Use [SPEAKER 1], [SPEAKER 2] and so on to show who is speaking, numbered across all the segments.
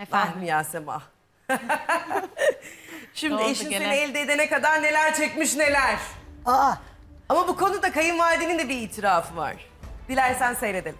[SPEAKER 1] Efendim Yasema. Şimdi eşin seni elde edene kadar neler çekmiş neler.
[SPEAKER 2] Aa,
[SPEAKER 1] Ama bu konuda kayınvalidenin de bir itirafı var. Dilersen seyredelim.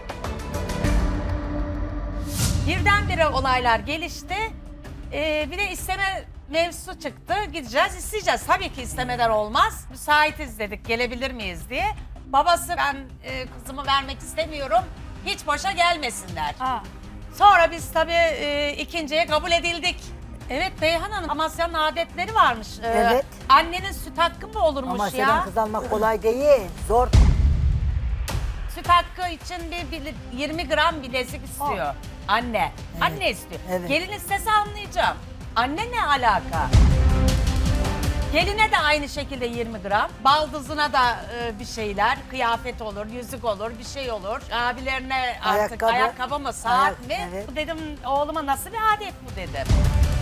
[SPEAKER 3] Birdenbire olaylar gelişti. Bir de isteme mevzusu çıktı. Gideceğiz, isteyeceğiz. Tabii ki istemeden olmaz. Müsaitiz dedik, gelebilir miyiz diye. Babası ben kızımı vermek istemiyorum. Hiç boşa gelmesinler. Sonra biz tabii ikinciye kabul edildik. Evet Beyhan Hanım, Amasya'nın adetleri varmış.
[SPEAKER 2] Evet.
[SPEAKER 3] Annenin süt hakkı mı olurmuş
[SPEAKER 2] Amasya'dan
[SPEAKER 3] ya?
[SPEAKER 2] kız almak kolay değil. Zor.
[SPEAKER 3] Süt hakkı için bir 20 gram bilezik istiyor. Anne. Anne istiyor.
[SPEAKER 2] Evet.
[SPEAKER 3] Gelin istese anlayacağım. Anne ne alaka? Geline de aynı şekilde 20 gram. Baldızına da bir şeyler. Kıyafet olur, yüzük olur, bir şey olur. Abilerine artık
[SPEAKER 2] Ayakkabı.
[SPEAKER 3] ayakkabı mı, saat mi?
[SPEAKER 2] Evet.
[SPEAKER 3] Bu dedim oğluma nasıl bir adet bu dedim.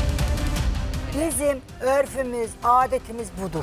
[SPEAKER 2] Bizim örfümüz, adetimiz budur.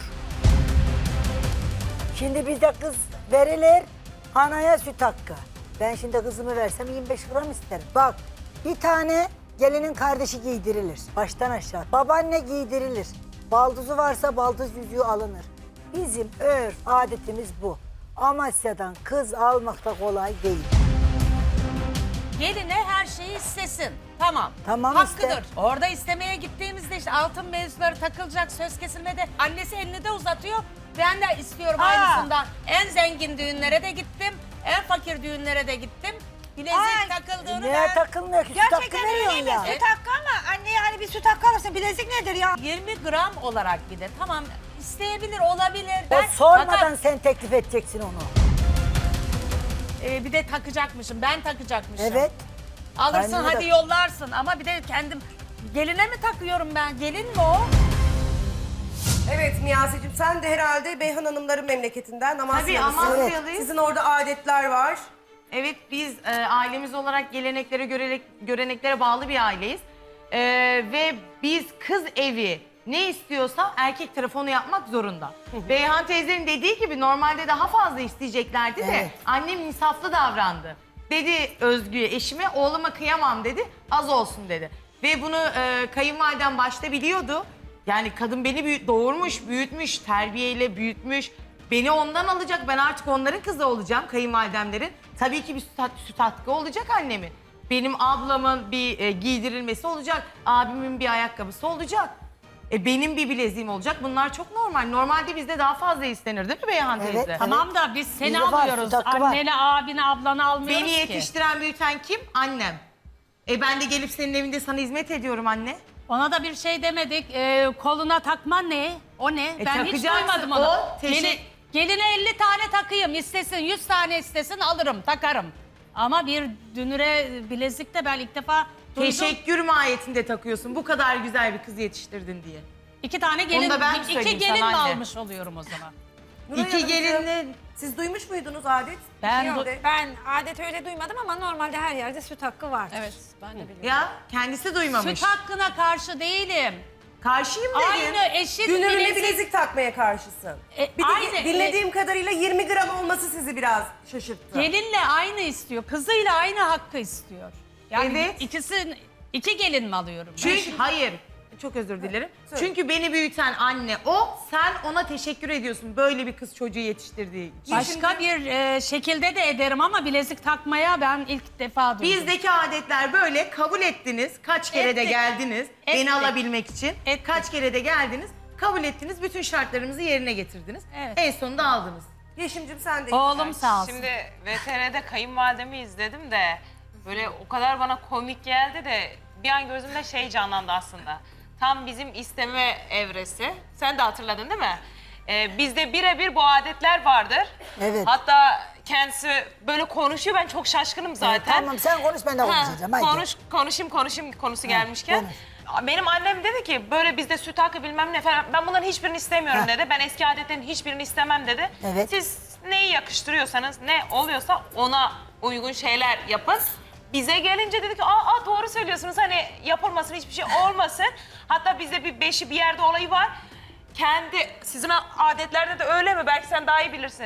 [SPEAKER 2] Şimdi bizde kız verilir, anaya süt hakkı. Ben şimdi kızımı versem 25 gram isterim. Bak, bir tane gelinin kardeşi giydirilir, baştan aşağı. Babaanne giydirilir. Baldızı varsa baldız yüzüğü alınır. Bizim örf, adetimiz bu. Amasya'dan kız almak da kolay değil.
[SPEAKER 3] Geline her şeyi istesin. Tamam.
[SPEAKER 2] Tamam,
[SPEAKER 3] Hakkıdır.
[SPEAKER 2] iste.
[SPEAKER 3] Orada istemeye gittiğimizde işte altın mevzuları takılacak, söz kesilmede annesi elini de uzatıyor. Ben de istiyorum aynısından. En zengin düğünlere de gittim. En fakir düğünlere de gittim. Bilezik takıldığını
[SPEAKER 2] Neye takılmıyor ki? Süt hakkı
[SPEAKER 4] Gerçekten
[SPEAKER 2] veriyorsun
[SPEAKER 4] öyle
[SPEAKER 2] ya.
[SPEAKER 4] mi? Süt hakkı ama anneye hani bir süt hakkı alırsın. Bilezik nedir ya?
[SPEAKER 3] 20 gram olarak bir de tamam isteyebilir olabilir.
[SPEAKER 2] O sormadan
[SPEAKER 3] fakat,
[SPEAKER 2] sen teklif edeceksin onu.
[SPEAKER 3] bir de takacakmışım. Ben takacakmışım.
[SPEAKER 2] Evet.
[SPEAKER 3] Alırsın
[SPEAKER 2] Kendine
[SPEAKER 3] hadi
[SPEAKER 2] de-
[SPEAKER 3] yollarsın ama bir de kendim geline mi takıyorum ben? Gelin mi o?
[SPEAKER 1] Evet Niyazi'cim sen de herhalde Beyhan Hanımların memleketinden
[SPEAKER 5] Tabii
[SPEAKER 1] Amasya'lısın.
[SPEAKER 5] Amasyalıyız.
[SPEAKER 1] Sizin orada adetler var.
[SPEAKER 5] Evet biz ailemiz olarak geleneklere, göreneklere bağlı bir aileyiz. Ve biz kız evi ne istiyorsa erkek tarafı yapmak zorunda. Beyhan teyzenin dediği gibi normalde daha fazla isteyeceklerdi de
[SPEAKER 2] Evet.
[SPEAKER 5] annem insaflı davrandı. Dedi Özgü'ye, eşime, oğluma kıyamam dedi, az olsun dedi. Ve bunu kayınvalidem başta biliyordu. Yani kadın beni doğurmuş, büyütmüş, terbiyeyle büyütmüş. Beni ondan alacak, ben artık onların kızı olacağım, kayınvalidemlerin. Tabii ki bir süt hakkı olacak annemin. Benim ablamın bir giydirilmesi olacak, abimin bir ayakkabısı olacak. Benim bir bileziğim olacak. Bunlar çok normal. Normalde bizde daha fazla istenir değil mi Beyhan
[SPEAKER 2] Evet,
[SPEAKER 5] teyze?
[SPEAKER 2] evet.
[SPEAKER 3] Tamam da biz seni
[SPEAKER 2] Bizde var,
[SPEAKER 3] alıyoruz.
[SPEAKER 2] süt hakkı var.
[SPEAKER 3] Anneni, abini, ablanı almıyoruz
[SPEAKER 5] Beni
[SPEAKER 3] ki.
[SPEAKER 5] yetiştiren, büyüten kim? Annem. Ben de gelip senin evinde sana hizmet ediyorum anne.
[SPEAKER 3] Ona da bir şey demedik. Koluna takma ne? O ne? Ben hiç
[SPEAKER 5] takacaksın.
[SPEAKER 3] duymadım onu.
[SPEAKER 5] O
[SPEAKER 3] Geline 50 tane takayım. İstesin 100 tane istesin alırım, takarım. Ama bir dünüre bilezik de ben ilk defa duydum.
[SPEAKER 5] Teşekkür mahiyetinde takıyorsun. Bu kadar güzel bir kız yetiştirdin diye.
[SPEAKER 3] 2 tane gelin,
[SPEAKER 5] Onu da ben
[SPEAKER 3] iki
[SPEAKER 5] söyleyeyim
[SPEAKER 3] gelin mi
[SPEAKER 5] sana anne.
[SPEAKER 3] almış oluyorum o zaman?
[SPEAKER 1] Nuray
[SPEAKER 5] İki
[SPEAKER 1] Hanımcığım,
[SPEAKER 5] gelinle...
[SPEAKER 1] Siz duymuş muydunuz adet?
[SPEAKER 3] Ben
[SPEAKER 1] Nerede?
[SPEAKER 4] Ben adet öyle duymadım ama normalde her yerde süt hakkı var.
[SPEAKER 6] Evet, ben de biliyorum.
[SPEAKER 5] Ya kendisi duymamış.
[SPEAKER 3] Süt hakkına karşı değilim.
[SPEAKER 5] Karşıyım dedin.
[SPEAKER 3] Aynı eşit
[SPEAKER 1] Dünürüne
[SPEAKER 3] bilezik.
[SPEAKER 1] bilezik takmaya karşısın. Bir de
[SPEAKER 3] aynı.
[SPEAKER 1] dinlediğim kadarıyla 20 gram olması sizi biraz şaşırttı.
[SPEAKER 3] Gelinle aynı istiyor. Kızıyla aynı hakkı istiyor. Yani
[SPEAKER 5] Evet.
[SPEAKER 3] iki gelin mi alıyorum ben?
[SPEAKER 5] Çünkü hayır. Çok özür dilerim.
[SPEAKER 1] Söyle.
[SPEAKER 5] Çünkü beni büyüten anne o. Sen ona teşekkür ediyorsun böyle bir kız çocuğu yetiştirdiği için.
[SPEAKER 3] Başka bir şekilde de ederim ama bilezik takmaya ben ilk defa duydum.
[SPEAKER 5] Bizdeki adetler böyle kabul ettiniz. Kaç kere de
[SPEAKER 3] Ettik.
[SPEAKER 5] geldiniz
[SPEAKER 3] Ettik.
[SPEAKER 5] beni alabilmek için.
[SPEAKER 3] Ettik.
[SPEAKER 5] Kaç kere de geldiniz. Kabul ettiniz. Bütün şartlarımızı yerine getirdiniz.
[SPEAKER 3] Evet.
[SPEAKER 5] En sonunda aldınız.
[SPEAKER 1] Yeşim'cim sen de.
[SPEAKER 3] Oğlum sağ olsun.
[SPEAKER 6] Şimdi VTR'de kayınvalidemi izledim de böyle o kadar bana komik geldi de bir an gözümde şey canlandı aslında. Tam bizim isteme evresi. Sen de hatırladın değil mi? Bizde birebir bu adetler vardır.
[SPEAKER 2] Evet.
[SPEAKER 6] Hatta kendisi böyle konuşuyor. Ben çok şaşkınım zaten.
[SPEAKER 2] Tamam sen konuş ben de konuşacağım. Haydi.
[SPEAKER 6] Konuşayım konusu gelmişken. Benim annem dedi ki böyle bizde süt hakkı bilmem ne falan. Ben bunların hiçbirini istemiyorum
[SPEAKER 2] Ha.
[SPEAKER 6] dedi. Ben eski adetlerin hiçbirini istemem dedi.
[SPEAKER 2] Evet.
[SPEAKER 6] Siz neyi yakıştırıyorsanız ne oluyorsa ona uygun şeyler yapın. Bize gelince dedik ki doğru söylüyorsunuz hani yapılmasın hiçbir şey olmasın. Hatta bizde bir beşi bir yerde olayı var. Sizin adetlerde de öyle mi? Belki sen daha iyi bilirsin.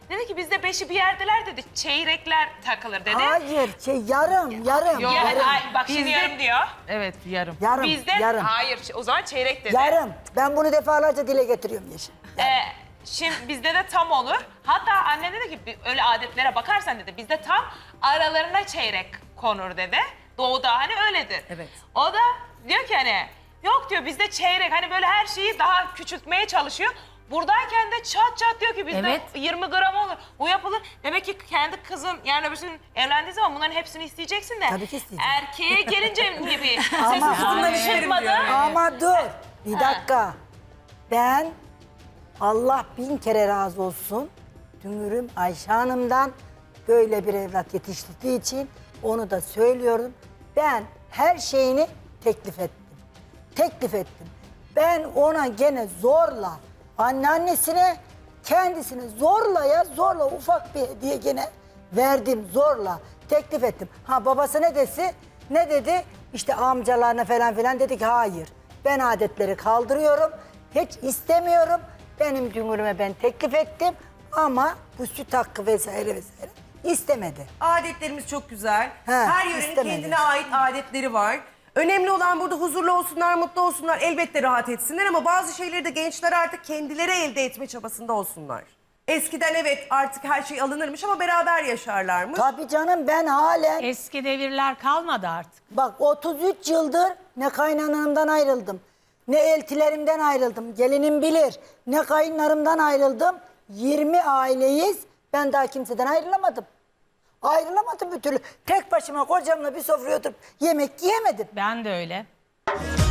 [SPEAKER 6] Dedi ki bizde 5'i bir yerdeler dedi. Çeyrekler takılır dedi.
[SPEAKER 2] Hayır, yarım.
[SPEAKER 6] Yani, bak şimdi yarım diyor.
[SPEAKER 5] Evet yarım.
[SPEAKER 6] Bizde hayır o zaman çeyrek dedi.
[SPEAKER 2] Yarım. Ben bunu defalarca dile getiriyorum Yeşim.
[SPEAKER 6] Şimdi bizde de tam olur. Hatta annem dedi ki öyle adetlere bakarsan dedi bizde tam aralarına çeyrek konur dedi. Doğuda hani öyledir.
[SPEAKER 1] Evet.
[SPEAKER 6] O da diyor ki hani yok diyor bizde çeyrek hani böyle her şeyi daha küçültmeye çalışıyor. Buradayken de çat çat diyor ki bizde
[SPEAKER 3] Evet.
[SPEAKER 6] 20 gram olur. Bu yapılır. Demek ki kendi kızın yani öbürsünün evlendiği zaman bunların hepsini isteyeceksin de.
[SPEAKER 2] Tabii ki isteyeceğim.
[SPEAKER 6] Erkeğe gelince gibi
[SPEAKER 2] Ama-
[SPEAKER 6] sesi
[SPEAKER 1] Kızımdan isterim
[SPEAKER 6] çıkmadı.
[SPEAKER 1] diyor.
[SPEAKER 2] Ama dur, bir dakika. Ben Allah 1000 kere razı olsun. Dünürüm Ayşe Hanım'dan böyle bir evlat yetiştirdiği için onu da söylüyorum. Ben her şeyini teklif ettim. Teklif ettim. Ben ona gene zorla, anneannesine, kendisine zorla ufak bir hediye gene verdim zorla. Teklif ettim. Ha babası ne dedi? İşte amcalarına falan filan dedi ki hayır. Ben adetleri kaldırıyorum. Hiç istemiyorum. Benim dünürüme ben teklif ettim ama bu süt hakkı vesaire istemedi.
[SPEAKER 1] Adetlerimiz çok güzel.
[SPEAKER 2] He,
[SPEAKER 1] Her yörenin
[SPEAKER 2] istemedi.
[SPEAKER 1] kendine ait adetleri var. Önemli olan burada huzurlu olsunlar, mutlu olsunlar, elbette rahat etsinler ama bazı şeyleri de gençler artık kendileri elde etme çabasında olsunlar. Eskiden evet artık her şey alınırmış ama beraber yaşarlarmış.
[SPEAKER 2] Tabii canım ben halen
[SPEAKER 3] Eski devirler kalmadı artık.
[SPEAKER 2] bak 33 yıldır ne kaynanamdan ayrıldım. Ne eltilerimden ayrıldım. Gelinim bilir. Ne kayınlarımdan ayrıldım. 20 aileyiz. Ben daha kimseden ayrılamadım. Ayrılamadım bir türlü. Tek başıma kocamla bir sofraya oturup yemek yiyemedim.
[SPEAKER 3] Ben de öyle.